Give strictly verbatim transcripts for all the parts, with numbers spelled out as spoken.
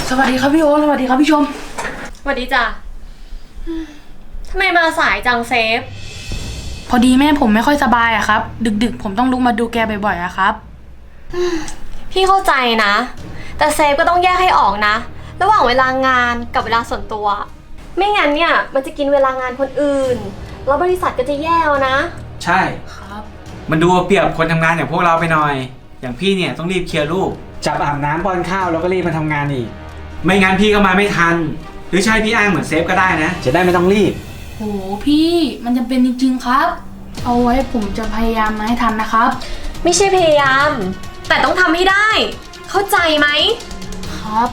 สวัสดีครับพี่โอสวัสดีครับพี่ชมสวัสดีจ้ะทำไมมาสายจังเซฟพอดีแม่ผมไม่ค่อยสบายอะครับดึกๆผมต้องลุกมาดูแกบ่อยๆอะครับพี่เข้าใจนะแต่เซฟก็ต้องแยกให้ออกนะระหว่างเวลางานกับเวลาส่วนตัวไม่งั้นเนี่ยมันจะกินเวลางานคนอื่นแล้วบริษัทก็จะแย่นะใช่ครับมันดูเอาเปรียบคนทำงานอย่างพวกเราไปหน่อยอย่างพี่เนี่ยต้องรีบเคลียร์ลูกจับอาบน้ำป้อนข้าวแล้วก็รีบมาทำงานอีกไม่งั้นพี่ก็มาไม่ทันหรือใช่พี่อ้างเหมือนเซฟก็ได้นะจะได้ไม่ต้องรีบโหพี่มันจำเป็นจริงๆครับเอาไว้ผมจะพยายามมาให้ทันนะครับไม่ใช่พยายามแต่ต้องทำให้ได้เข้าใจไหมครับ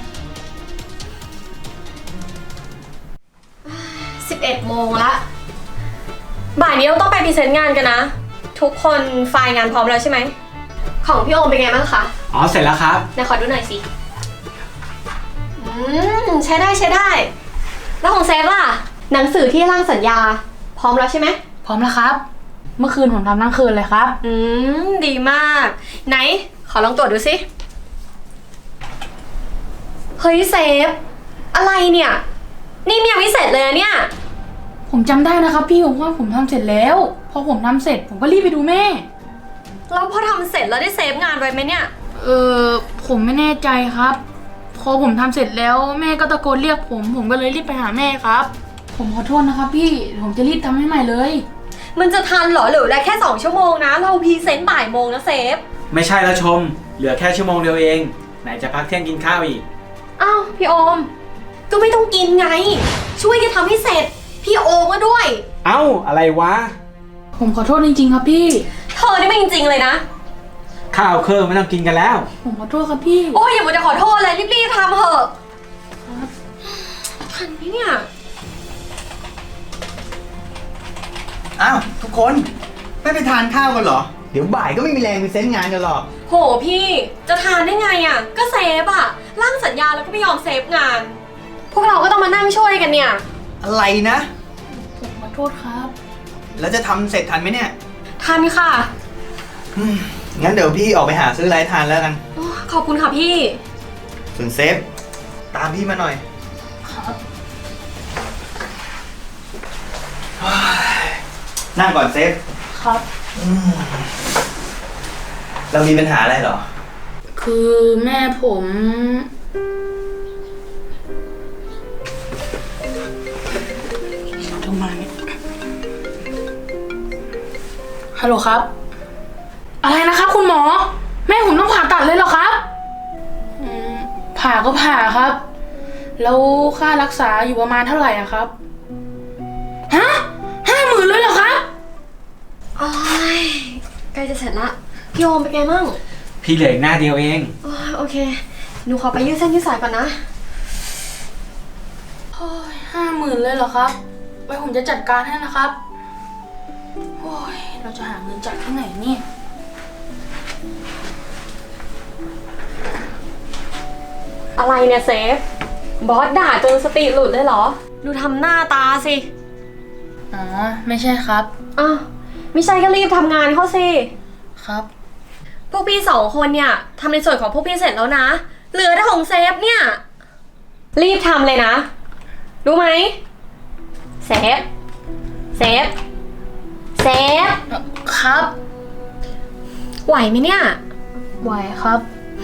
สิบเอ็ดโมงละบ่ายนี้เราต้องไปพรีเซนต์งานกันนะทุกคนไฟล์งานพร้อมแล้วใช่ไหมของพี่โอมเป็นไงบ้างคะอ๋อเสร็จแล้วครับไหนขอดูหน่อยสิอืมใช้ได้ใช้ได้แล้วของเซฟล่ะหนังสือที่ร่างสัญญาพร้อมแล้วใช่ไหมพร้อมแล้วครับเมื่อคืนผมทำทั้งคืนเลยครับอืมดีมากไหนขอลองตรวจดูสิเฮ้ยเซฟอะไรเนี่ยนี่ยังไม่เสร็จเลยเนี่ยผมจำได้นะครับพี่ผมว่าผมทำเสร็จแล้วพอผมทำเสร็จผมก็รีบไปดูแม่แล้วพอทำเสร็จแล้วได้เซฟงานไว้ไหมเนี่ยเออผมไม่แน่ใจครับพอผมทำเสร็จแล้วแม่ก็ตะโกนเรียกผมผมก็เลยรีบไปหาแม่ครับผมขอโทษนะครับพี่ผมจะรีบทำให้ใหม่เลยมันจะทันเหรอเหลือแค่สองชั่วโมงนะเราพรีเซนต์บ่ายโมงนะเซฟไม่ใช่แล้วชมเหลือแค่ชั่วโมงเดียวเองไหนจะพักเที่ยงกินข้าวอีกอ้าวพี่โอมก็ไม่ต้องกินไงช่วยกันทำให้เสร็จพี่โอมก็ด้วยเอ้าอะไรวะผมขอโทษจริงๆครับพี่เธอนี่ไม่จริงๆเลยนะข้าวเครื่องไม่ต้องกินกันแล้วผมขอโทษครับพี่โอ้ยอย่ามาจะขอโทษเลยรีบๆทำเถอะครับทันไหมเนี่ยอ้าวทุกคนไม่ไปทานข้าวกันเหรอเดี๋ยวบ่ายก็ไม่มีแรงไปเซ็นงานกันหรอกโหพี่จะทานได้ไงอ่ะก็เซฟอ่ะร่างสัญญาแล้วก็ไม่ยอมเซฟงานพวกเราก็ต้องมานั่งช่วยกันเนี่ยอะไรนะผมขอโทษครับแล้วจะทำเสร็จทันไหมเนี่ยทันค่ะงั้นเดี๋ยวพี่ออกไปหาซื้ออะไรทานแล้วกันขอบคุณค่ะพี่ส่วนเซฟตามพี่มาหน่อยครับนั่งก่อนเซฟครับเรามีปัญหาอะไรเหรอคือแม่ผมโทรมาเนี่ยฮัลโหลครับอะไรนะครับคุณหมอแม่ผมต้องผ่าตัดเลยเหรอครับผ่าก็ผ่าครับแล้วค่ารักษาอยู่ประมาณเท่าไหร่อะครับฮะห้าหมื่นเลยเหรอครับโอ้ยใกล้จะเสร็จละพี่โอมเป็นไงมั่งพี่เหลืออีกหน้าเดียวเองโอเคหนูขอไปยืดเส้นยืดสายก่อนนะโอ้ยห้าหมื่นเลยเหรอครับไว้ผมจะจัดการให้นะครับโอ้ยเราจะหาเงินจากที่ไหนเนี่ยอะไรเนี่ยเซฟบอสด่าจนสติหลุดเลยเหรอดูทำหน้าตาสิอ๋อไม่ใช่ครับอ้าวไม่ใช่ก็รีบทำงานเขาสิครับพวกพี่สองคนเนี่ยทำในส่วนของพวกพี่เสร็จแล้วนะเหลือแต่ของเซฟเนี่ยรีบทำเลยนะรู้ไหมเซฟเซฟเซฟครับไหวไหมเนี่ยไหวครับ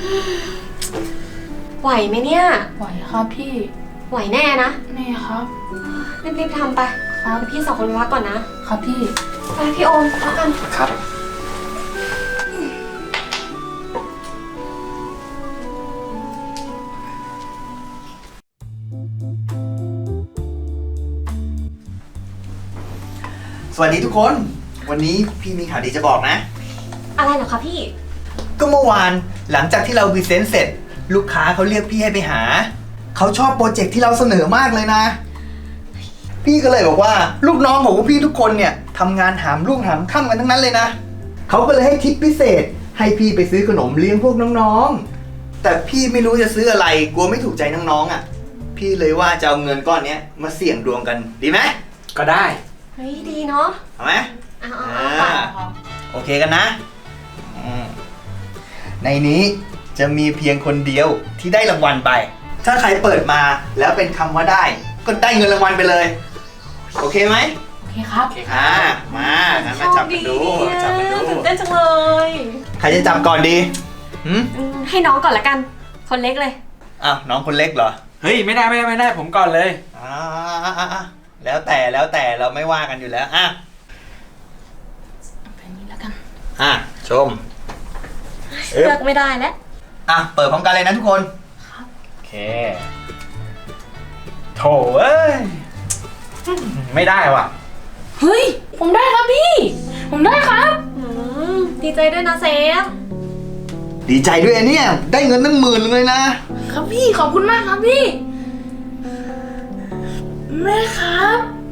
ไหวไหมเนี่ยไหวครับพี่ไหวแน่นะแน่ครับรีบๆทำไปครับพี่สองคนไปพักก่อนนะครับพี่ไปพี่โอมพักกันครับสวัสดีทุกคนวันนี้พี่มีข่าวดีจะบอกนะอะไรเหรอคะพี่ก็เมื่อวานหลังจากที่เราพรีเซนต์เสร็จลูกค้าเขาเรียกพี่ให้ไปหาเขาชอบโปรเจกต์ที่เราเสนอมากเลยนะพี่ก็เลยบอกว่าลูกน้องของพี่ทุกคนเนี่ยทำงานหามรุ่งหามค่ำกันทั้งนั้นเลยนะเขาก็เลยให้ทิปพิเศษให้พี่ไปซื้อขนมเลี้ยงพวกน้องๆแต่พี่ไม่รู้จะซื้ออะไรกลัวไม่ถูกใจน้องๆอ่ะพี่เลยว่าจะเอาเงินก้อนนี้มาเสี่ยงดวงกันดีไหมก็ได้เฮ้ยดีเนาะเอาไหมเอาเอาโอเคกันนะในนี้จะมีเพียงคนเดียวที่ได้รางวัลไปถ้าใครเปิดมาแล้วเป็นคำว่าได้ ก็ได้เงินรางวัลไปเลย โอเคไหมโอเคครับอ่ามางั้นมาจับกันดูจับกันดูตื่นเต้นจังเลยใครจะจับก่อนดีหืมอืมให้น้องก่อนละกัน คนเล็กเลยอ้าวน้องคนเล็กเหรอเฮ้ยไม่ได้ไม่ได้ไม่ได้ผมก่อนเลยอ่าอ่าแล้วแต่แล้วแต่เราไม่ว่ากันอยู่แล้วอ่ะแบบนี้แล้วกันอ่ะชมเลือกไม่ได้แล้วอ่ะเปิดพร้อมกันเลยนะทุกคนโอเคโถเอ้ยไม่ได้ว่ะเฮ้ย ผมได้ครับพี่ ผมได้ครับอืมดีใจด้วยนะเซฟดีใจด้วยอันเนี่ยได้เงินตั้งหมื่นเลยนะครับพี่ขอบคุณมากครับพี่ แม่ครับ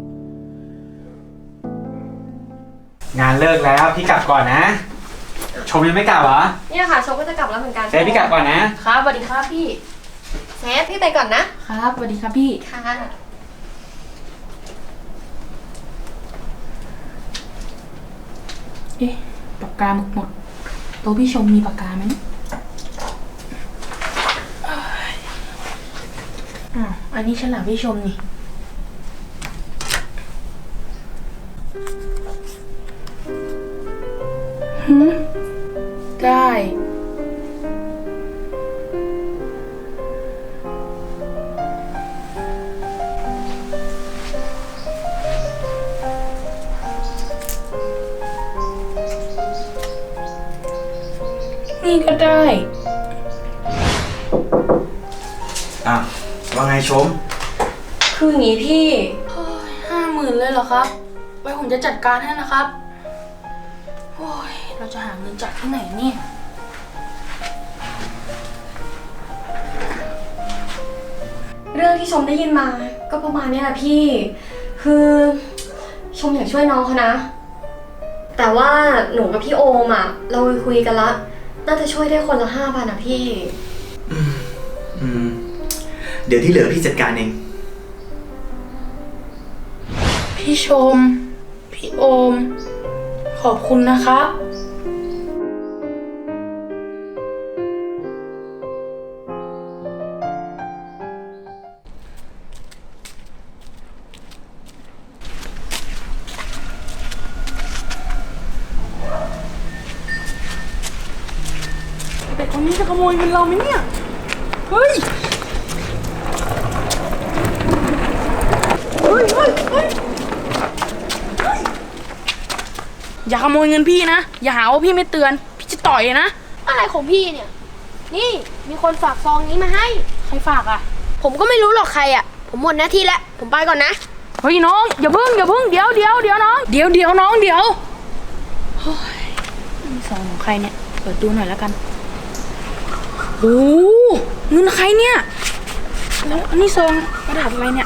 งานเลิกแล้วพี่กลับก่อนนะ ชมยังไม่กลับเหรอเนี่ยค่ะโชคก็จะกลับแล้วเหมือนกันเซฟพี่กลับก่อนนะครับสวัสดีครับพี่เซฟพี่ไปก่อนนะครับสวัสดีครับพี่ค่ะเอ๊ะปากกาหมดหมดโต๊ะพี่ชมมีปากกาไหมเอ้ยอ้าวอันนี้ฉลากพี่ชมนี่หืมได้ นี่ก็ได้อ่ะว่าไงชมคืออย่างนี้พี่ห้าหมื่นเลยเหรอครับ ไว้ผมจะจัดการให้นะครับ โอ้ย เราจะหาเงินจากที่ไหนเนี่ยเรื่องที่ชมได้ยินมาก็ประมาณเนี้ยแหละพี่ คือชมอยากช่วยน้องเขานะ แต่ว่าหนูกับพี่โอมอ่ะ เราคุยกันละ น่าจะช่วยได้คนละห้าพันนะพี่อืมเดี๋ยวที่เหลือพี่จัดการเองพี่ชม พี่โอม ขอบคุณนะครับ แต่คนนี้จะขโมยเงินเราไหมเนี่ย เฮ้ย เฮ้ยเฮ้ยเฮ้ยเฮ้ยอย่าขโมยเงินพี่นะ อย่าหาว่าพี่ไม่เตือน พี่จะต่อยนะอะไรของพี่เนี่ย นี่มีคนฝากซองนี้มาให้ใครฝากอ่ะผมก็ไม่รู้หรอกใครอ่ะ ผมหมดหน้าที่แล้ว ผมไปก่อนนะเฮ้ยน้อง อย่าเพิ่งอย่าเพิ่งเดี๋ยวเดี๋ยวเดี๋ยวน้อง เดี๋ยวเดี๋ยวน้องเดี๋ยวเฮ้ยนี่ซองของใครเนี่ย เปิดดูหน่อยแล้วกันโอ้เงินใครเนี่ย แล้วอันนี้ซองกระดาษอะไรเนี่ย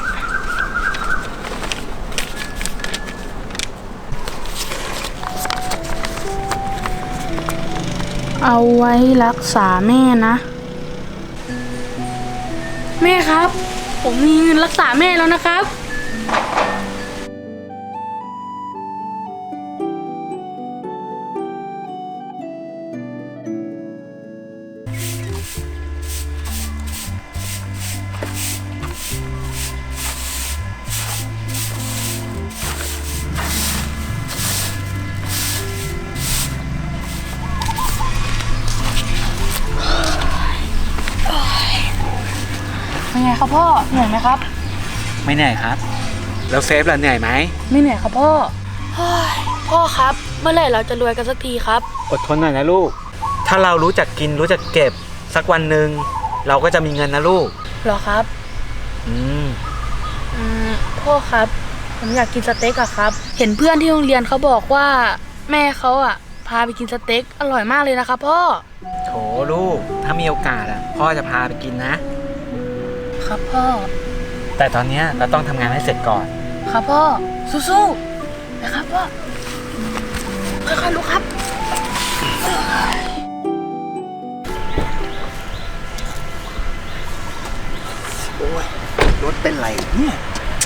เอาไว้รักษาแม่นะ แม่ครับ ผมมีเงินรักษาแม่แล้วนะครับ เป็นไงครับพ่อเหนื่อยไหมครับไม่เหนื่อยครับ แล้วเซฟล่ะเหนื่อยไหมไม่เหนื่อยครับพ่อเฮ้ยพ่อครับ เมื่อไหร่เราจะรวยกันสักทีครับอดทนหน่อยนะลูก ถ้าเรารู้จักกินรู้จักเก็บสักวันหนึ่งเราก็จะมีเงินนะลูกเหรอครับอืมอืมพ่อครับ ผมอยากกินสเต็กอะครับ เห็นเพื่อนที่โรงเรียนเขาบอกว่าแม่เขาอะพาไปกินสเต็กอร่อยมากเลยนะครับพ่อโถลูก ถ้ามีโอกาสอ่ะพ่อจะพาไปกินนะครับพ่อแต่ตอนเนี้ยเราต้องทำงานให้เสร็จก่อนครับพ่อ สู้ๆนะครับพ่อ ค่อยๆลุกครับโอ้ยรถเป็นไรเนี่ย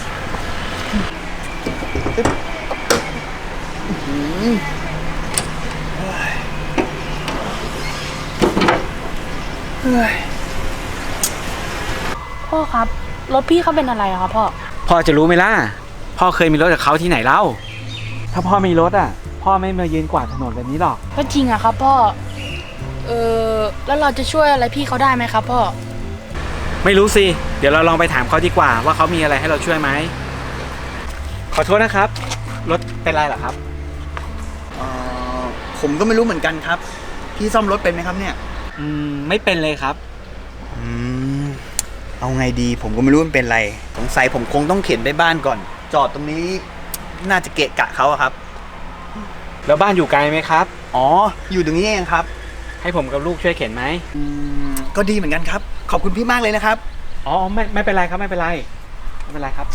อื้อหือเฮ้ยเฮ้ยพ่อครับ รถพี่เขาเป็นอะไรอะครับพ่อพ่อจะรู้ไหมล่ะ พ่อเคยมีรถกับเขาที่ไหนเล่า ถ้าพ่อมีรถอ่ะ พ่อไม่มายืนกวาดถนนแบบนี้หรอกก็จริงอะครับพ่อ เออแล้วเราจะช่วยอะไรพี่เขาได้ไหมครับพ่อไม่รู้สิ เดี๋ยวเราลองไปถามเขาดีกว่าว่าเขามีอะไรให้เราช่วยไหม ขอโทษนะครับ รถเป็นไรเหรอครับเอ่อผมก็ไม่รู้เหมือนกันครับ พี่ซ่อมรถเป็นไหมครับเนี่ยอืม ไม่เป็นเลยครับอืม เอาไงดีผมก็ไม่รู้มันเป็นไร สงสัยผมคงต้องเข็นไปบ้านก่อน จอดตรงนี้น่าจะเกะกะเขาอะครับแล้วบ้านอยู่ไกลไหมครับอ๋อ อยู่ตรงนี้เองครับให้ผมกับลูกช่วยเข็นไหมอืม ก็ดีเหมือนกันครับ ขอบคุณพี่มากเลยนะครับอ๋อ ไม่ไม่เป็นไรครับ ไม่เป็นไร ไม่เป็นไรครับ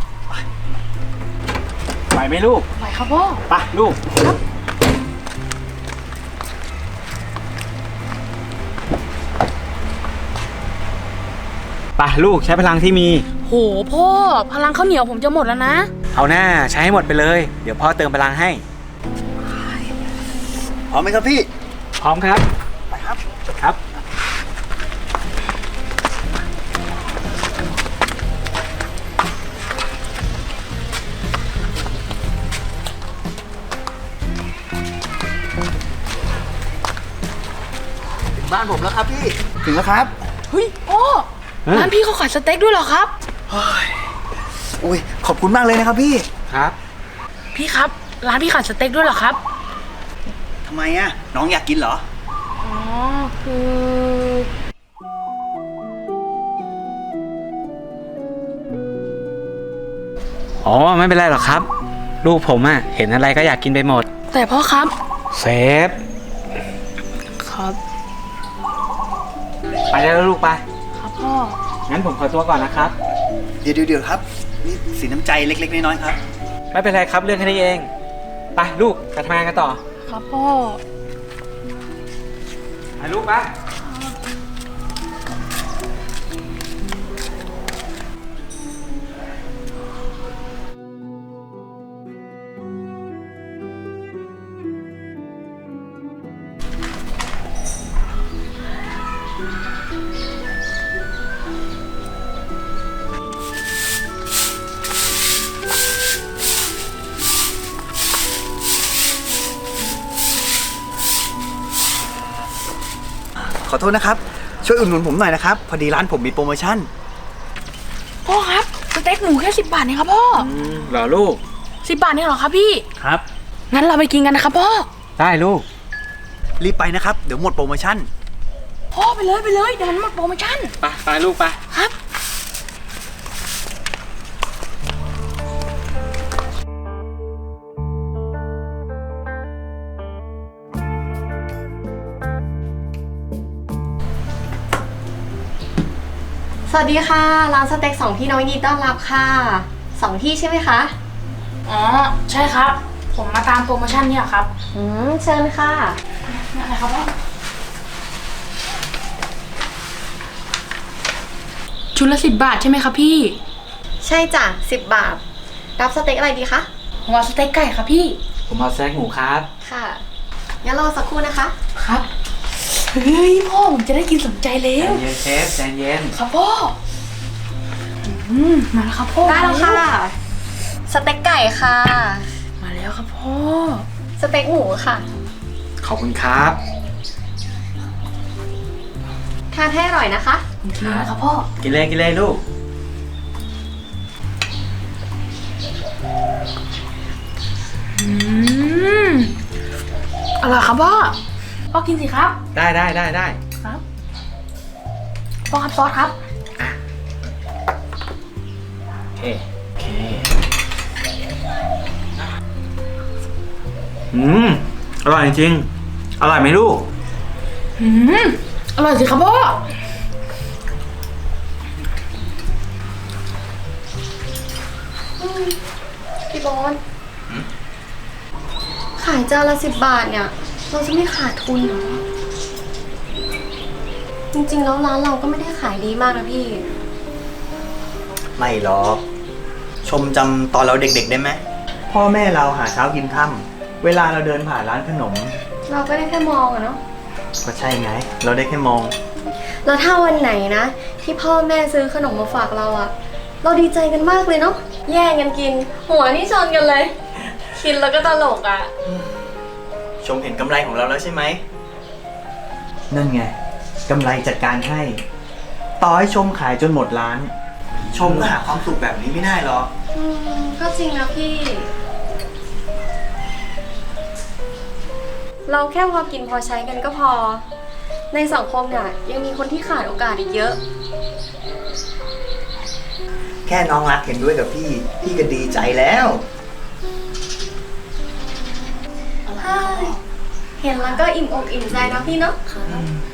ไหวไหมลูกไหวครับพ่อไปลูก ไปลูกใช้พลังที่มีโหพ่อ พลังข้าวเหนียวผมจะหมดแล้วนะเอาหน้าใช้ให้หมดไปเลย เดี๋ยวพ่อเติมพลังให้พร้อมไหมครับพี่พร้อมครับไปครับครับถึงบ้านผมแล้วครับพี่ ถึงแล้วครับเฮ้ยพ่อเฮ้ยร้านพี่เขาขายสเต็กด้วยเหรอครับอุ้ย ขอบคุณมากเลยนะครับพี่ครับพี่ครับ ร้านพี่ขายสเต็กด้วยเหรอครับทำไมอะน้องอยากกินเหรออ๋อ คืออ๋อ ไม่เป็นไรหรอกครับ ลูกผมอะเห็นอะไรก็อยากกินไปหมดแต่พ่อครับเซฟครับไปได้แล้วลูกไปครับพ่องั้นผมขอตัวก่อนนะครับเดี๋ยวเดี๋ยวครับ นี่สีน้ำใจเล็กๆน้อยๆครับไม่เป็นไรครับเรื่องแค่นี้เอง ไปลูกไปทำงานกันต่อครับพ่อไปลูกไปขอโทษนะครับ ช่วยอุดหนุนผมหน่อยนะครับ พอดีร้านผมมีโปรโมชั่นพ่อครับ สเต็กหมูแค่สิบบาทเองครับพ่อเหรอลูกสิบบาทเองเหรอครับพี่ครับงั้นเราไปกินกันนะครับพ่อได้ลูกรีบไปนะครับ เดี๋ยวหมดโปรโมชั่นพ่อไปเลยไปเลยเดี๋ยวมันหมดโปรโมชั่นไปไปลูกไปครับสวัสดีค่ะ ร้านสเต็กสองพี่น้องยินดีต้อนรับค่ะสองที่ใช่ไหมคะอ๋อ ใช่ครับ ผมมาตามโปรโมชั่นเนี่ยครับอืมเชิญค่ะนี่อะไรครับพ่อ ชุดละสิบบาทใช่ไหมครับพี่ใช่จ้ะสิบบาท รับสเต็กอะไรดีคะผมเอาสเต็กไก่ครับพี่ผมเอาแซกหมูครับค่ะงั้นรอสักครู่นะคะครับ เฮ้ยพ่อผมจะได้กินสมใจแล้ใจวเย็นเชฟใจเย็นครับพ่อ อืมมาแล้วครับพ่อได้แล้วค่ะ สเต็กไก่ค่ะมาแล้วครับพ่อสเต็กหมูค่ะขอบคุณครับทานให้อร่อยนะคะผมกินแล้วนะครับพ่อกินเลยกินเลยลูกอืมอร่อยครับพ่อ พ่อกินสิครับได้ได้ได้ได้ครับ พ่อครับซอสครับโอเค โอเค อืม อร่อยจริงๆอร่อยไหมลูกอืมอร่อยสิครับพ่อพี่บอลขายจานละสิบบาทเนี่ย เราจะไม่ขาดทุนเหรอ จริงๆแล้วร้านเราก็ไม่ได้ขายดีมากนะพี่ไม่หรอก ชมจำตอนเราเด็กๆได้ไหม พ่อแม่เราหาเช้ากินค่ำเวลาเราเดินผ่านร้านขนมเราก็ได้แค่มองอะเนาะก็ใช่ไง เราได้แค่มองแล้วถ้าวันไหนนะ ที่พ่อแม่ซื้อขนมมาฝากเราอะเราดีใจกันมากเลยเนาะแย่งกันกิน หัวนี่ชนกันเลย กินแล้วก็ตลกอะชมเห็นกำไรของเราแล้วใช่ไหม นั่นไงกำไรจากการให้ ต่อให้ชมขายจนหมดร้าน ชมก็หาความสุขแบบนี้ไม่ได้หรอกอืมก็จริงนะพี่ เราแค่พอกินพอใช้กันก็พอ ในสังคมเนี่ยยังมีคนที่ขาดโอกาสอีกเยอะแค่น้องรักเห็นด้วยกับพี่ พี่ก็ดีใจแล้วเห็นแล้วก็อิ่มอกอิ่มใจนะพี่เนาะครับ